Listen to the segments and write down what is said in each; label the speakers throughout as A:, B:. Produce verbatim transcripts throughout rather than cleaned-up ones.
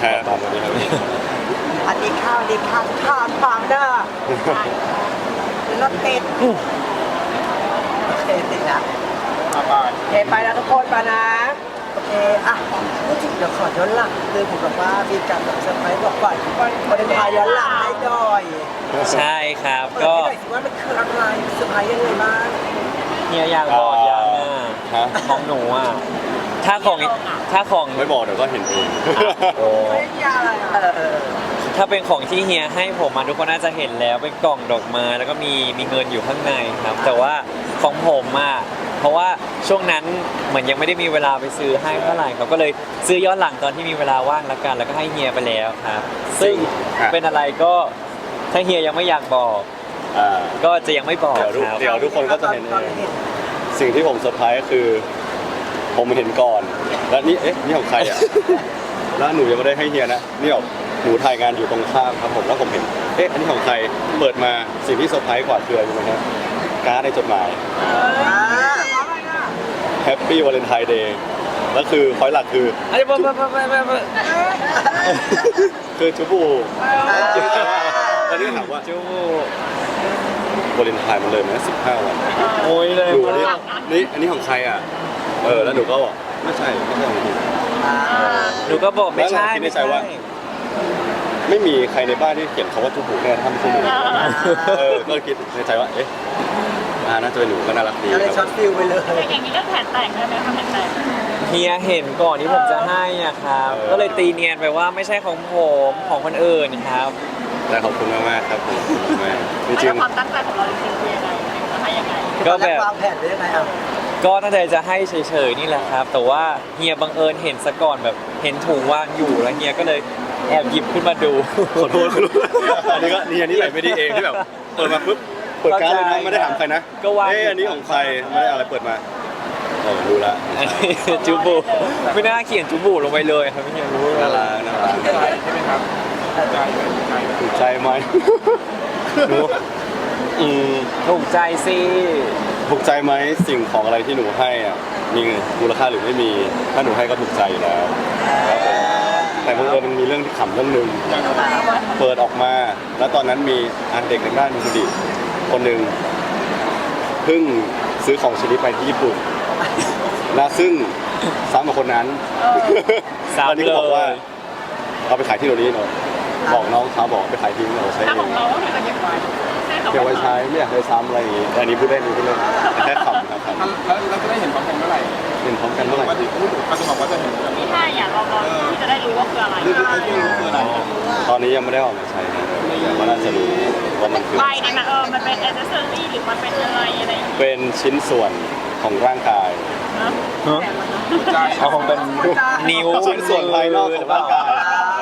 A: แค่ตามวันนี้ครับ
B: อันนี้ข้าวดีข้าวข้าวฟางเด้อรถติดโอเคติดนะโอเคไปแล้วทุกคนไปนะโอเคอ่ะพูดถึงเดี๋ยวขอย้อนหลังคือผมบอกว่ามีการแบบเซอร์ไพรส์บอกก่อนวันนี้พาย้อนหลังให้หน่อย
C: ใช่ครับ
B: ก็
C: ก็
B: หน่อยสิว่ามันคืออะไรเซอร์ไพรส์ยังไงบ้าง
C: เฮียอยากบอกยังอ่ะ
A: ฮะ
C: ของหนูอ่ะถ้าของถ้าของ
A: ไม่บอกเดี๋ยวก็เห็นเอง
C: โอ้
B: ไม่ยากอะไรเออเออ
C: ถ้าเป็นของที่เฮียให้ผมมาทุกคนน่าจะเห็นแล้วเป็นกล่องดอกไม้แล้วก็มีมีเงินอยู่ข้างในครับ แต่ว่าของผมอ่ะเพราะว่าช่วงนั้นเหมือนยังไม่ได้มีเวลาไปซื้อให้เท่าไหร่ครับก็เลยซื้อย้อนหลังตอนที่มีเวลาว่างแล้วกัน แล้วก็ให้เฮียไปแล้วครับ ซึ่งเป็นอะไรก็ถ้าเฮียยังไม่อยากบอก
A: อ่า
C: ก็จะยังไม่บอก
A: เดี๋ยวทุก
C: ครับ
A: เดี๋ยวทุกคนก็จะเห็นเองสิ่งที่ผมเซอร์ไพรส์ก็คือ ผมเห็นก่อน แล้วนี่เอ๊ะนี่ของใครอ่ะ แล้วหนูยังไม่ได้ให้เฮียนะนี่แบบหนูถ่ายงานอยู่ตรงข้ามครับผมแล้วผมเห็นเอ๊ะอันนี้ของใครเปิดมาสิ่งที่เซอร์ไพรส์กว่าคืออะไรรู้ไหมครับการ์ดในจดหมาย
B: อ่า
A: แฮปปี้วาเลนไทน์เดย์แล้วคือพอยหลักคือ
C: อันนี้ไม่ไม่ไม่ไม่ไม่
A: คือจูบูตอนนี้ถามว่า
C: จู
A: วาเลนไทน์มันเลยไหมสิบห้าวัน
C: โอ้ยเลย
A: หนูนี่นี่อันนี้ของใครอ่ะเออแล้วหนูก็บอกไม่ใช่ไม่ใช่ของหนู
B: อ่า
C: หนูก็บอกไม่ใช่
A: แล้วเราคิดในใจว่า ไม่มีใครในบ้านที่เขียนคำว่าจูบูแน่ถ้าไม่ใช่หนูเออก็คิดในใจว่าเอ๊ะอ่าน่าจะเป็นหนูก็น่ารักดี
B: ก็เลย
A: ค
B: ช็
A: รั
B: อบ ตฟิลไปเลย
D: อย่างนี้ก็แผนแตกได้ไหมคะแผนแตก
C: เฮียเห็นก่อนที่ผมจะให้อ่ะครับ ก็เลยตีเนียนไปว่าไม่ใช่ของผมของคนอื่นครับ
A: แต่ขอบคุณมากๆครับผมขอบคุณมากจริ
D: แล้ว
A: ง
D: ความตั้งใจของเราจริงๆคือยังไงจะให้ยังไง
C: ก็แบบ
B: วางแผนไว้ยังไงอ่ะ
C: ก็ตั้งใจจะให้เฉยๆนี่แหละครับ แต่ว่าเฮียบังเอิญเห็นซะก่อนแบบเห็นถุงวางอยู่แล้วเฮียก็เลยแอบหยิบขึ้นมาดู
A: ๆขอโทษคุณอันนี้ก็นี่อันนี้ใส่ไม่ดีเองที่แบบเปิดมาปุ๊บเปิดการ์ดเลยนะไม่ได้ถามใครนะ
C: ก็วาง
A: เอ๊ะอันนี้ของใครไม่ได้อะไรเปิดมาเออรู้ละ
C: อันนี้จูบูไม่น่าเขียนจูบูลงไปเลยครับไม่เฮียรู้
A: น่ารักน่ารัก
E: ใช่ไหมครับใจใจ
A: ถูกใจไหมหนูอืม
C: ถูกใจสิ
A: ถูกใจไหมสิ่งของอะไรที่หนูให้อ่ะมีมูลค่าหรือไม่มีถ้าหนูให้ก็ถูกใจอยู่แล้วครับผมแต่บังเอิญมันมีเรื่องที่ขำเรื่องหนึ่งเปิดออกมา แล้วตอนนั้นมีอันเด็กในบ้านมีคนดีคนหนึ่งเพิ่งซื้อของชิ้นนี้ไปที่ญี่ปุ่นและซึ่งซ้ำกับคนนั้น
C: ซ้ำ
A: ตอนนี้ก็บอกว่า
C: เลย
A: เอาไปขายที่โรนี่เนาะบอกน้องเขาบอกไปขายทิ้งเราใช้
D: ถ้า
A: เอ
D: ของ งเราก็คือจะเก็บไว้ใช่
A: เก็บไว้ใช้ไม่อยากให้ซ้ำอะไรอย่างงี้แต่อันนี้พูดได้พูดเล่นแต่แค่ขำครับขำ
E: แล้วเราจะได้เห็นพร้อมกันเมื่อไหร่
A: เห็นพร้อมกันเมื่อไหร่
E: ปกติพูดเขาจะบอกว่าจะเห็นกัน
D: ที่ให้อ่ะเราเราที่จะได้รู้ว่าคืออะไร
E: รู้ไอ้ที่รู้คืออะไร
A: ตอนนี้ยังไม่ได้ออกมาใช้นะแต่ว่าน่าจะรู้ว่ามันคือ
D: ใบเนี่ยนะเออมันเป็นแอ c เซสซอรี่หรือมันเป็นอะไรอะไรอย่างเงี้ย
A: เป็นชิ้นส่วนของร่างกาย
D: นะ
E: ใจ
C: เอาคงเป็นนิ้ว
A: ชิ้นส่วนภายนอกของร่างกาย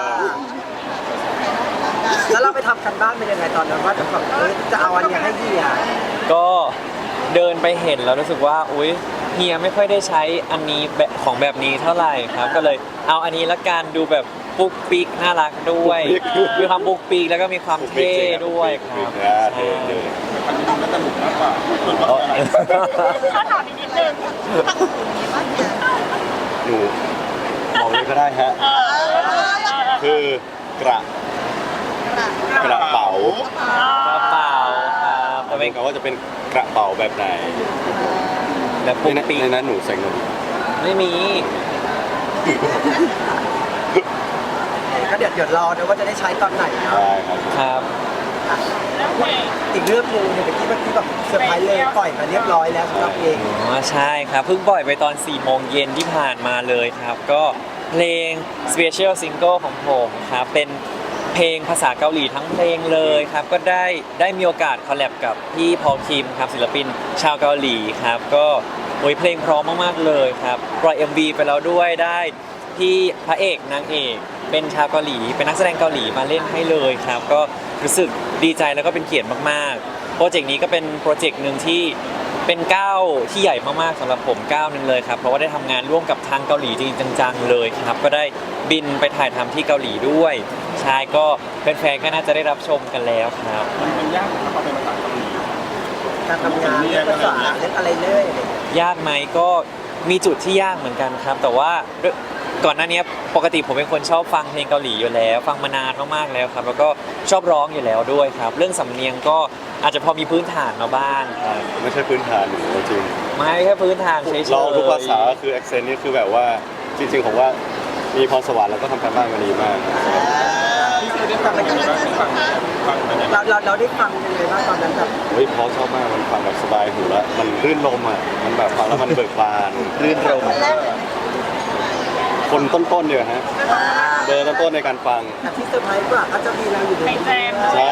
B: แล้วเราไปทำกันบ้านเป็นยังไงตอนนั้นว่าจะแบบเอ้ยจะเอาอันเนี้ยให้เฮีย
C: ก็เดินไปเห็นแล้วรู้สึกว่าอุ๊ยเฮียไม่ค่อยได้ใช้อันนี้แบบของแบบนี้เท่าไหร่ครับ ก็เลยเอาอันนี้ละกันดูแบบปุ๊กปิ๊กน่ารักด้วยมีความปุ๊กปิ๊กแล้วก็มีความเท่ด้วยครับ
A: เท่เท่
E: อันนี้มันจะหนุกมากกว่าส่วนว่าอะไร
D: ถ้าถามอีกนิดนึง
A: หนูบอกเลยก็ได้ฮะ
D: เออ
A: คือกระกระเป๋าก
C: ระเป๋าครับ
A: แต่เป็นคำว่าจะเป็นกระเป๋าแบบไหน
C: แบบ
A: ใน
C: ปุ๊ก
A: นั้น
C: ปิ๊ก
A: ในนั้นหนูใส่เงิน
C: ไม่มี
B: ก็เดี๋ยวเดี๋ยวรอนะว่าจะได้ใช้ตอนไหนเนาะ
A: ได้ครับ
C: ครับ
D: แล้วเพลง
B: อีกเรื่องหนึงเนี่ยเมื่อกี้เมื่อกี้แบบเซอร์ไพรส์เลยปล่อยมาเรียบร้อยแล้วสำหรับเพลง
C: อ๋อใช่ครับเพิ่งปล่อยไปตอนสี่โมงเย็นที่ผ่านมาเลยครับ ก็เพลง Special Single ของผมครับเป็นเพลงภาษาเกาหลีทั้งเพลงเลยครับก็ได้ได้มีโอกาสคอลแลบกับพี่พอลคิมครับศิลปินชาวเกาหลีครับก็โอ้ยเพลงเพร้อมมากๆเลยครับปล่อย เอ็ม วี ไปแล้วด้วยได้พี่พระเอกนางเอกเป็นชาวเกาหลีเป็นนักแสดงเกาหลีมาเล่นให้เลยครับก็รู้สึกดีใจแล้วก็เป็นเกียรติมากๆโปรเจกต์นี้ก็เป็นโปรเจกต์หนึ่งที่เป็นก้าวที่ใหญ่มากๆสำหรับผมก้าวหนึ่งเลยครับเพราะว่าได้ทำงานร่วมกับทางเกาหลีจริงๆจังๆเลยครับก็ได้บินไปถ่ายทำที่เกาหลีด้วยใช่ก็แฟนๆก็น่าจะได้รับชมกันแล้วครับ
E: มันยากถ้าเขาเป็นภาษาเกาหลี
B: การทำงานเรื่องภาษาเรื่องอะไรเลย
C: ยากไหมก็มีจุดที่ยากเหมือนกันครับ แต่ว่าด้วยก่อนหน้านี้ปกติผมเป็นคนชอบฟังเพลงเกาหลีอยู่แล้ว ฟังมานานมากๆแล้วครับ แล้วก็ชอบร้องอยู่แล้วด้วยครับ เรื่องสำเนียงก็อาจจะพอมีพื้นฐานมาบ้างครับ
A: ไม่ใช่พื้นฐานหนูจริง
C: ไม่แค่พื้นฐานเฉยๆ
A: เราทุกภาษาคือ accent นี่คือแบบว่าจริงๆผมว่ามีพรสวรรค์แล้วก็ทำการบ้านมาดีมาก
E: ที่สุดได้ฟังเป็นยังไงบ้างฟังฟังเป็นยังไง
B: เราเราเราได้ฟังยังไงบ้างตอนนั้นแบบ
A: เฮ้ยเพราะชอบมากมันฟังแบบสบายหูแล้วมันรื่นลมอ่ะมันแบบฟังแล้วมันเบิกบานรื่นลมคนต้นๆเนี่ยฮะเบอร์ต้นๆในการฟัง
B: แต่ที่เซอร์ไพรส์กว่าก็จะมีเราอยู่ใน
D: ไปแจม
A: ใช่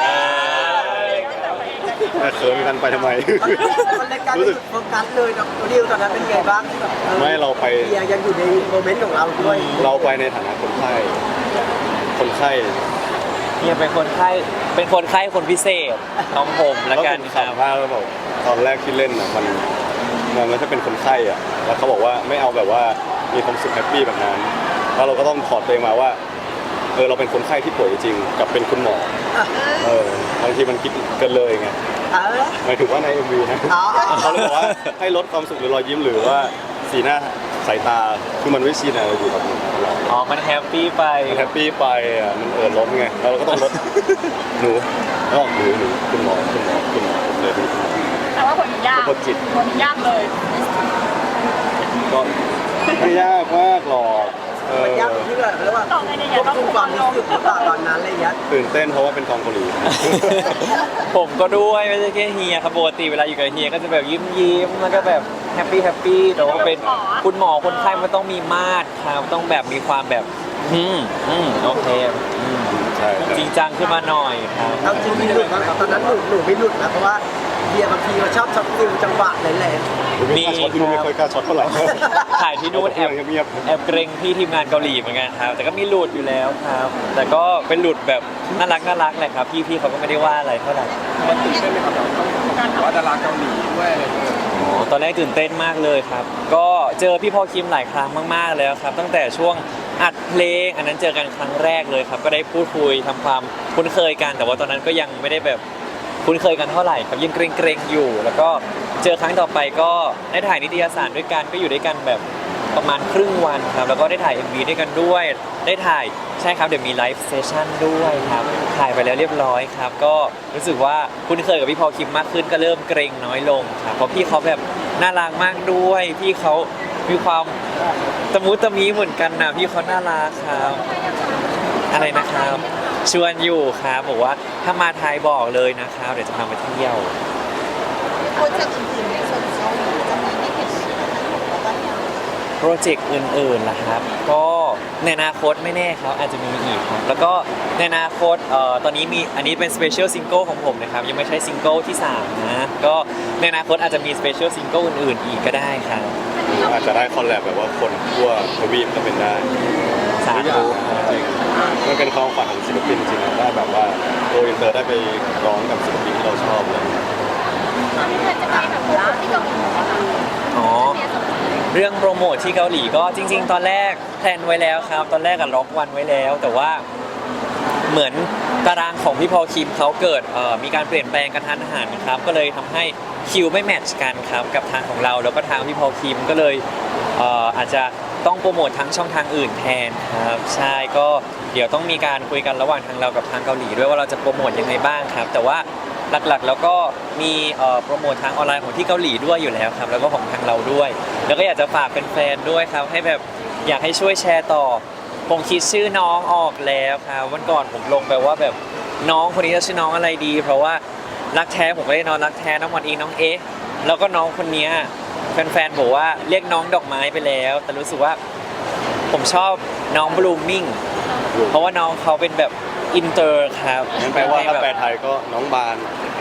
A: แต่เขินกันไปทำไม
B: มันรายการ
A: รู้สึก
B: โฟกัสเลยนะตัวดิวตอนนั้นเป็นไงบ้างที่แบบออ
A: ไม่เราไป
B: เฮียยังอยู่ในโมเมนต์ของเราด้วย
A: เราไปในฐานะคนไข้คนไข้
C: เนี่ยเป็นคนไข้เป็นคนไข้คนพิเศษของผมละกัน
A: ผม
C: ครับ
A: ขำมากแล้วบอกตอนแรกที่เล่นอ่ะมันมันไม่ใช่เป็นคนไข้อ่ะแล้วเขาบอกว่าไม่เอาแบบว่ามีความสุขแฮปปี้แบบนั้นแล้วเราก็ต้องถอดตัวเองมาว่าเออเราเป็นคนไข้ที่ป่วยจริงกับเป็นคุณหมอ
B: อ่ะ
A: เออบางทีมันคิดเกันเลยไง
B: เออ
A: หมายถึงว่าใน เอ็ม วี นะ
B: อ๋อ
A: เขาเลยบอกว่าให้ลดความสุขหรือรอยยิ้มหรือว่าสีหน้าสายตาคือมันไม่ชินอะไรอยู่กับเรา
C: อ๋อมันแฮปปี้ไป
A: มันแฮปปี้ไปอ่ะมันเออล้มไงแล้วเราก็ต้องลด หนูแล้วบอกหนูหนูคุณหมอคุณหมอคุณหมอเลยเป็นคุณหมอ
D: แต่ว่าผลยาก
A: คนจิต
D: ผลยากเลย
A: ก็ไม่ยากมากหรอกเออ
B: มันยากตรงที่แบบเรียกว่า
D: ต่อไงเนี่ย
B: ควบคุมความรู้สึกหรือเปล่าตอนนั้นอะไรอย่างเงี้ย
A: ตื่นเต้นเพราะว่าเป็นกองเกาหลี
C: ผมก็ด้วยไม่ใช่แค่เฮียครับปกติเวลาอยู่กับเฮียก็จะแบบยิ้มยิ้มๆแล้วก็แบบแฮปปี้แฮปปี้แต่ว่าเป็นคุณหมอคนไข้มันต้องมีมาตรครับต้องแบบมีความแบบอืมอืมโอเคอืม
A: ใช่ใช่
C: จริงจังขึ้นมาหน่อยครับ
B: เอาจริงมีหลุดนะตอนนั้นหนูหนูไม่หลุดนะเพราะว่าเฮียบางทีมันชอบช็อตฟิลจังหวะแหลม
A: ไม่กล้าช็อตที่นู่นไม่ค่อยกล้าช็อตเท่าไหร่
C: ถ่ายที่นู่นแอบ
A: เงียบ
C: แอบเกรงพี่ทีมงานเกาหลีเหมือนกันครับ แต่ก็มีหลุดอยู่แล้วครับ แต่ก็เป็นหลุดแบบน่ารักน่ารักแหละครับ พี่พี่เขาก็ไม่ได้ว่าอะไรเท่าไหร่
E: มันตื่นเต้นไหมครับเราต้องบอกว่าดาราเกาหลีด้วยอะไรอย่างเงี้ย
C: โอ้ตอนแรกตื่นเต้นมากเลยครับ ก็เจอพี่พอคิมหลายครั้งมากๆแล้วครับ ตั้งแต่ช่วงอัดเพลง อันนั้นเจอกันครั้งแรกเลยครับ ก็ได้พูดคุยทำความคุ้นเคยกัน แต่ว่าตอนนั้นก็ยังไม่ได้แบบคุ้นเคยกันเท่าไหร่ครับยังเกรงๆอยู่ แล้วก็เจอครั้งต่อไปก็ได้ถ่ายนิตยสารด้วยกันก็อยู่ด้วยกันแบบประมาณครึ่งวันครับแล้วก็ได้ถ่าย เอ็ม วี ด้วยกันด้วย ได้ถ่ายใช่ครับเดี๋ยวมีไลฟ์เซสชั่นด้วยครับถ่ายไปแล้วเรียบร้อยครับ ก็รู้สึกว่าคุ้นเคยกับพี่พอคิมมากขึ้นก็เริ่มเกรงน้อยลงครับเพราะพี่เขาแบบน่ารักมากด้วย พี่เขามีความตะมุตะมีเหมือนกันนะพี่เขาน่ารักครับอะไรนะครับชวนอยู่ครับบอกว่าถ้ามาไทยบอกเลยนะครับเดี๋ยวจะพาไปเที่ยว
F: โปรเจกต์อื่นๆในส่วนเกาหลีจะมีให้เห็นแล้วก็ยัง
C: โปรเจกต์อื่นๆล่ะครับ ก็ในอนาคตไม่แน่ครับอาจจะมีอีกครับแล้วก็ในอนาคตเอ่อตอนนี้มีอันนี้เป็นสเปเชียลซิงเกิลของผมนะครับยังไม่ใช่ซิงเกิลที่สามนะก็ในอนาคตอาจจะมีสเปเชียลซิงเกิลอื่นๆอีกก็ได้ครับ
A: ๆอาจจะได้คอลแลบแบบว่าคนทั่วทวีปก็เป็นได้
C: สา
A: ทุกอย่า
C: ธุ
A: งจริงๆมันเป็นความฝันของศิลปินจริงๆนะได้แบบว่าโกอินเตอร์ได้ไปร้องกับศิลปินที่เราชอบเลย
F: จะไปแบบว่าที่เกาหลีนะคะ
C: อ๋อเรื่องโปรโมทที่เกาหลีก็จริง ๆ ตอนแรกแพลนไว้แล้วครับ ตอนแรกอะล็อกวันไว้แล้ว แต่ว่าเหมือนตารางของพี่พอลคิมเขาเกิดเอ่อมีการเปลี่ยนแปลงกระทันหันครับก็เลยทำให้คิวไม่แมทช์กันครับกับทางของเราแล้วก็ทางพี่พอลคิมก็เลยเอ่ออาจจะต้องโปรโมททั้งช่องทางอื่นแทนครับใช่ก็เดี๋ยวต้องมีการคุยกันระหว่างทางเรากับทางเกาหลีด้วยว่าเราจะโปรโมทยังไงบ้างครับ แต่ว่าหลักๆ แล้วก็มีเอ่อโปรโมททางออนไลน์ของที่เกาหลีด้วยอยู่แล้วครับแล้วก็ของทางเราด้วย แล้วก็อยากจะฝากแฟนๆด้วยครับให้แบบอยากให้ช่วยแชร์ต่อ ผมคิดชื่อน้องออกแล้วครับวันก่อนผมลงไปว่าแบบน้องคนนี้จะชื่อน้องอะไรดี เพราะว่ารักแท้ผมก็ได้น้องรักแท้น้องมอนอิงน้องเอ๊ะแล้วก็น้องคนเนี้ยแฟนๆบอกว่าเรียกน้องดอกไม้ไปแล้ว แต่รู้สึกว่าผมชอบน้องบลูมิ่งเพราะว่าน้องเขาเป็นแบบอินเตอร์ครับ
A: งั้นแปลว่าถ้าแปลไทยก็น้องบาน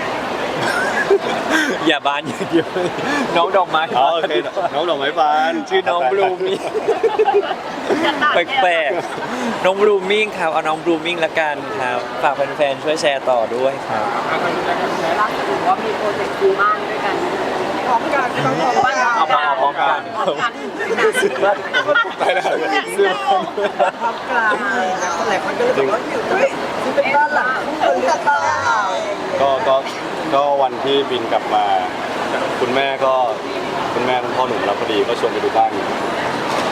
C: อย่าบานอย่างเดียวน้องดอกไม้
A: อ๋อโอเคน้องดอกไม้บาน
C: ชื่อน้องบลูมิ่ง
D: จะตัด
C: แปลกๆน้องบลูมิ่งครับเอาน้องบลูมิ่งละกันครับฝากแฟนๆช่วยแชร์ต่อด้วยครับ
E: อ่ะทางนี้นะครับแชร์
B: ล่าสุดว่ามีโปรเจกต์ซื้อบ้านด้วยกันพร้อมกันต้องพร้อมบ้าน
C: เอามาเอาพร้อมกัน
B: พร้อมกัน
A: ไปแล้ว
C: ซื้อ
B: พร้อมกันนะคนหลายคนก็เลยบอกว่าอยู่เฮ้ยนี่เป็นบ้านหลังคู่กันหรือเปล่า
A: ก็ก็ก็วันที่บินกลับมา คุณแม่ก็คุณแม่คุณพ่อหนุ่มรับพอดีก็ชวนไปดูบ้าน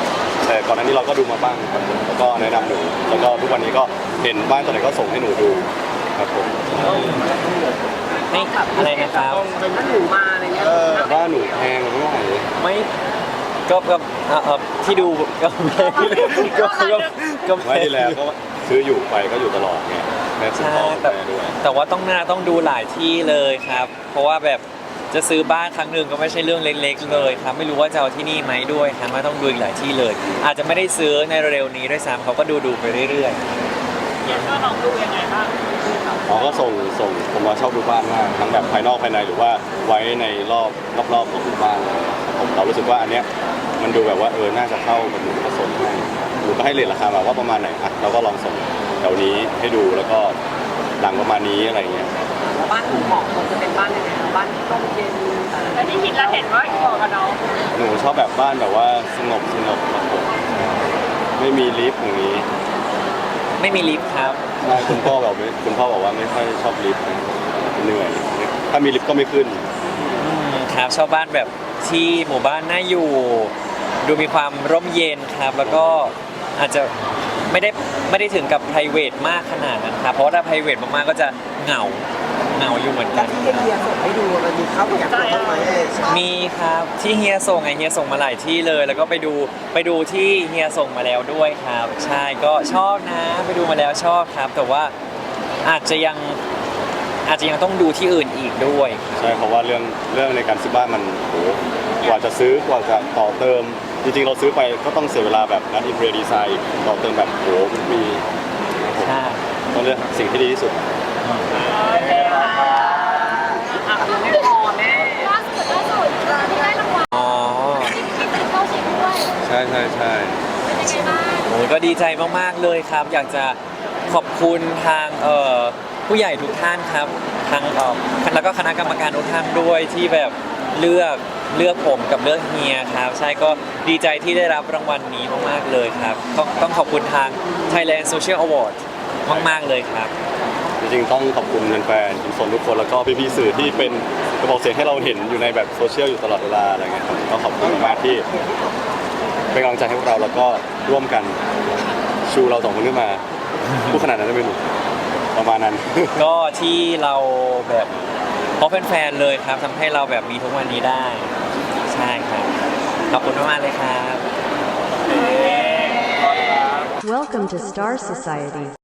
A: แต่ก่อนหน้านี้เราก็ดูมาบ้างครับผมแล้วก็แนะนำหนูแล้วก็ทุกวันนี้ก็เห็นบ้านตัวไหนก็ส่งให้หนูดูครับผม
C: ไม่อะไรนะครับ
B: ถ้าหนูมาอะไรเงี้ย
A: บ้านหนูแพงไม่ไหว
C: ไม่ก็ก็เอ่อเอ่อที่ดูก็ก็ก็ก็
A: ไว้ที่แล้วก็ซื้ออยู่ไปก็อยู่ตลอดไงแม่คุณ
C: ใช่
A: พ่อคุณ
C: แต่
A: แม่ด้วย
C: แต่ว่าต้องหน้าต้องดูหลายที่เลยครับ เพราะว่าแบบจะซื้อบ้านครั้งหนึ่งก็ไม่ใช่เรื่องเล็กๆเลยครับไม่รู้ว่าจะเอาที่นี่ไหมด้วยครับว่าต้องดูอีกหลายที่เลย อาจจะไม่ได้ซื้อในเร็วๆนี้ด้วยซ้ำเขาก็ดูดูๆไปเรื่อย
D: เห็นว่าน้องดูยังไงบ้าง
A: อ๋อก็ส่งส่งผมว่าชอบดูบ้านมากทั้งแบบภายนอกภายในหรือว่าไว้ในรอบรอบๆของหมู่บ้านเลยผมเรารู้สึกว่าอันเนี้ยมันดูแบบว่าเออน่าจะเข้ากับหนูก็ส่งให้หนูก็ให้เรทราคามาว่าประมาณไหนอ่ะเราก็ลองส่งแถวนี้ให้ดูแล้วก็หลังประมาณนี้อะไรเงี้ย
B: บ้านหนูเหมาะควรจะเป็นบ้านยังไงบ้านร่มเย็น
D: แล้วที่คิดแล้วเห็นว่าเหมาะกับน้อง
A: หนูชอบแบบบ้านแบบว่าสงบสงบครับผมไม่มีลิฟต์อย่างนี้
C: ๆ ไม่มีลิฟต์ครับ
A: ใช่คุณพ่อแบบไม่คุณพ่อบอกว่าไม่ค่อยชอบลิฟต์นะเหนื่อยถ้ามีลิฟต์ก็ไม่ขึ้น
C: อืมครับชอบบ้านแบบที่หมู่บ้านน่าอยู่ ดูมีความร่มเย็นครับ แล้วก็อาจจะไม่ได้ไม่ได้ถึงกับ ไพรเวท มากขนาดนั้นครับเพราะว่าถ้า ไพรเวท มากๆก็จะเหงาเหงาอยู่เหมือน
B: แล้
C: กั
B: วน ที่เฮียส่งให้ดูมันมีเข้าอยากดูบ้างไหม
C: มีครับที่เฮียส่งไงเฮียส่งมาหลายที่เลย แล้วก็ไปดูไปดูที่เฮียส่งมาแล้วด้วยครับ ใช่ก็ชอบนะไปดูมาแล้วชอบครับ แต่ว่าอาจจะยังอาจจะยังต้องดูที่อื่นอีกด้วย
A: ใช่เพราะว่าเรื่องเรื่องในการซื้อบ้านมันโหกว่าจะซื้อกว่าจะต่อเติม จริงๆเราซื้อไปก็ต้องเสียเวลาแบบนัดอินเทอร์ดีไซน์ต่อเติมแบบโหมันมี
C: ใช่
A: ต้องเลือกสิ่งที่ดีที่สุด
D: โอเคค่ะ
B: อ่ะยังไม่พอแม่
F: ล่าสุดล่าสุดที่ได้รางวัล
C: อ๋อ
F: ที่เป็นเข้าชิงด้วย
A: ใช่ใช่ใช่
F: เป็นยังไงบ้าง
C: โอ้ยก็ดีใจมากๆเลยครับ อยากจะขอบคุณทางเอ่อผู้ใหญ่ทุกท่านครับทางเอ่อแล้วก็คณะกรรมการทุกท่านด้วยที่แบบเลือกเลือกผมกับเลือกเฮียครับใช่ก็ดีใจที่ได้รับรางวัลนี้มากๆเลยครับต้องต้องขอบคุณทาง Thailand Social Award มากๆเลยครับ
A: จริงๆต้องขอบคุณแฟนๆทุกคนทุกคนแล้วก็พี่ๆสื่อที่เป็นกระบอกเสียงให้เราเห็นอยู่ในแบบโซเชียลอยู่ตลอดเวลาอะไรเงี้ยครับก็ขอบคุณมากที่เป็นกำลังใจให้พวกเราแล้วก็ร่วมกันชูเราสองคนขึ้นมาพูดขนาดนั้นได้ไหมหนูประมาณนั้น
C: ก็ที่เราแบบเพราะแฟนๆเลยครับทำให้เราแบบมีทุกวันนี้ได้ ใช่ครับ ขอบคุณมากๆเลยครับ
G: Welcome to Star Society.